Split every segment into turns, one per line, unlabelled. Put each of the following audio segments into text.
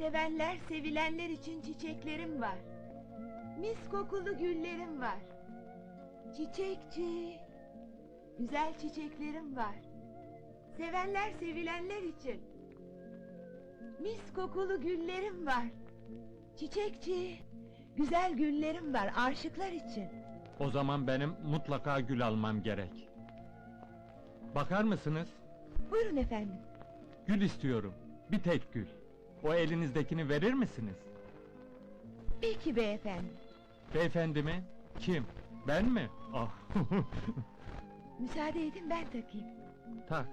Sevenler, sevilenler için çiçeklerim var. Mis kokulu güllerim var. Çiçekçi, güzel çiçeklerim var. Sevenler, sevilenler için. Mis kokulu güllerim var. Çiçekçi, güzel güllerim var aşıklar için.
O zaman benim mutlaka gül almam gerek. Bakar mısınız?
Buyurun efendim.
Gül istiyorum. Bir tek gül. O elinizdekini verir misiniz?
Peki beyefendi.
Beyefendi mi? Kim? Ben mi? Ah.
Müsaade edin ben takayım.
Tak.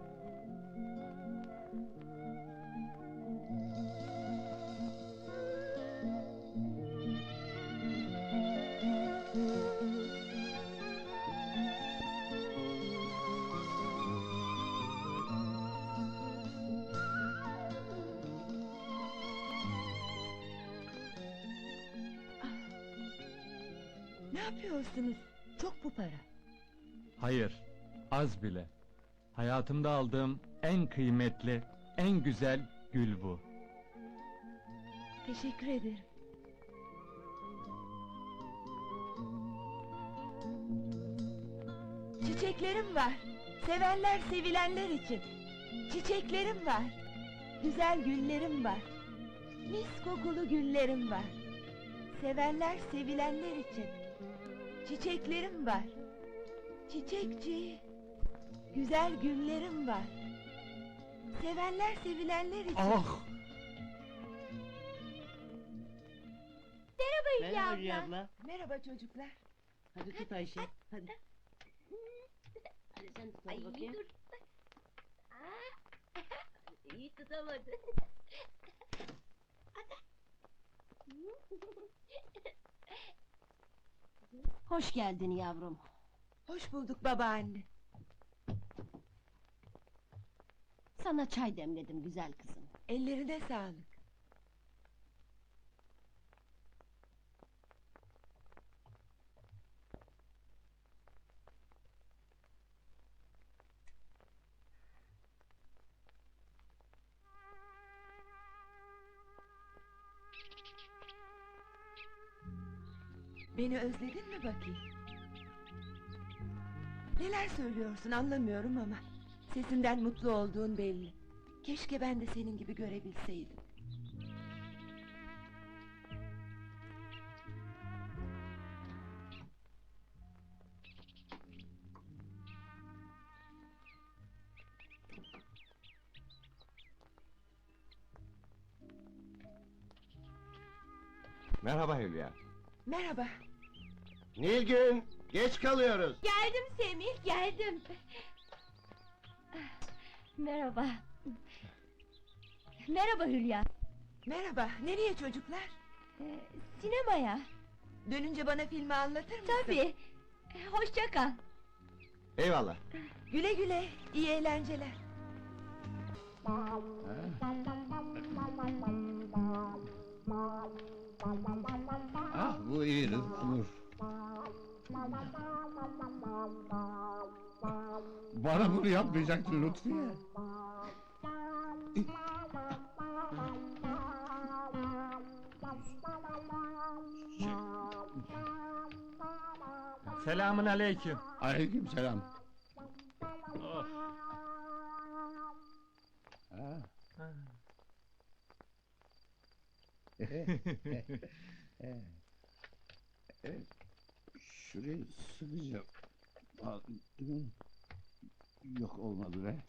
Ne yapıyorsunuz? Çok bu para.
Hayır, az bile. Hayatımda aldığım en kıymetli, en güzel gül bu.
Teşekkür ederim. Çiçeklerim var. Sevenler, sevilenler için. Çiçeklerim var. Güzel güllerim var. Mis kokulu güllerim var. Sevenler, sevilenler için. Çiçeklerim var. Çiçekçi, güzel güllerim var. Sevenler, sevilenler için.
Ah!
Merhaba Hülya
Merhaba
abla.
Hülya abla.
Merhaba çocuklar.
Hadi tut Ayşe. Hadi. Hadi sen tut
Ay
bakayım.
dur. İyi tutamadı.
Hoş geldin yavrum.
Hoş bulduk babaanne.
Sana çay demledim güzel kızım.
Ellerine sağlık. Beni özledin mi bakayım? Neler söylüyorsun anlamıyorum ama sesinden mutlu olduğun belli. Keşke ben de senin gibi görebilseydim.
Merhaba Hülya.
Merhaba.
Nilgün, geç kalıyoruz.
Geldim Semih, geldim. Merhaba. Merhaba Hülya.
Merhaba. Nereye çocuklar?
Sinemaya.
Dönünce bana filmi anlatır mısın?
Tabii. Hoşça kal.
Eyvallah.
Güle güle. İyi eğlenceler.
Ah, bu iyi olur. Bana bunu yapmayacaktın Lütfiye.
Selamün aleyküm.
Aleyküm selam.
Oh.
Şurayı sıkıca... Yok olmadı be.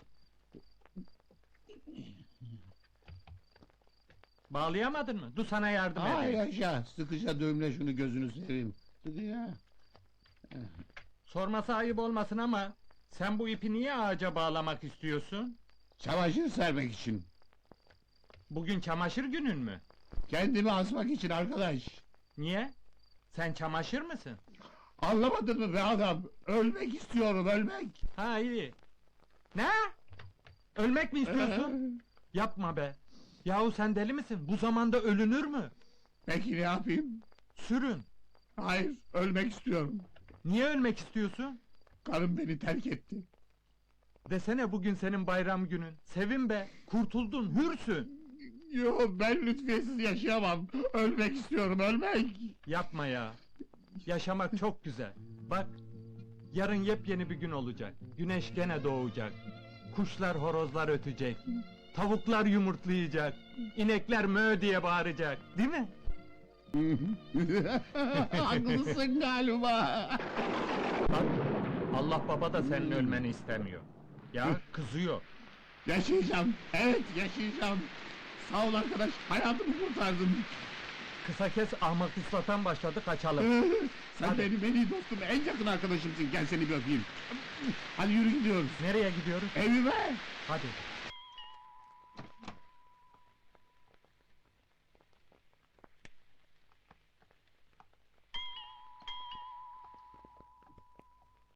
Bağlayamadın mı? Dur sana yardım
Ay
edeyim.
yaşa, sıkıca düğümle şunu gözünü seveyim. Sıkıca.
Sorması ayıp olmasın ama sen bu ipi niye ağaca bağlamak istiyorsun?
Çamaşır sermek için.
Bugün çamaşır günün mü?
Kendimi asmak için arkadaş.
Niye? Sen çamaşır mısın?
Anlamadın mı be adam? Ölmek istiyorum, ölmek!
Ha iyi. Ne? Ölmek mi istiyorsun? Yapma be. Yahu sen deli misin? Bu zamanda ölünür mü?
Peki ne yapayım?
Sürün.
Hayır, ölmek istiyorum.
Niye ölmek istiyorsun?
Karım beni terk etti.
Desene bugün senin bayram günün. Sevin be. Kurtuldun, hürsün.
Yo, ben Lütfiyesiz yaşayamam. Ölmek istiyorum, ölmek.
Yapma ya. Yaşamak çok güzel. Bak, yarın yepyeni bir gün olacak. Güneş gene doğacak. Kuşlar, horozlar ötecek. Tavuklar yumurtlayacak. İnekler mö diye bağıracak. Değil mi?
Haklısın galiba.
Bak, Allah baba da senin ölmeni istemiyor. Ya, kızıyor.
Yaşayacağım, evet yaşayacağım. Sağ ol arkadaş, hayatımı kurtardın.
Kısa kes, ahmak ıslatan başladı, kaçalım.
Sen
Hadi.
benim en iyi dostum, en yakın arkadaşımsın. Gel seni bir öpeyim. Hadi yürü gidiyoruz.
Nereye gidiyoruz?
Evime.
Hadi.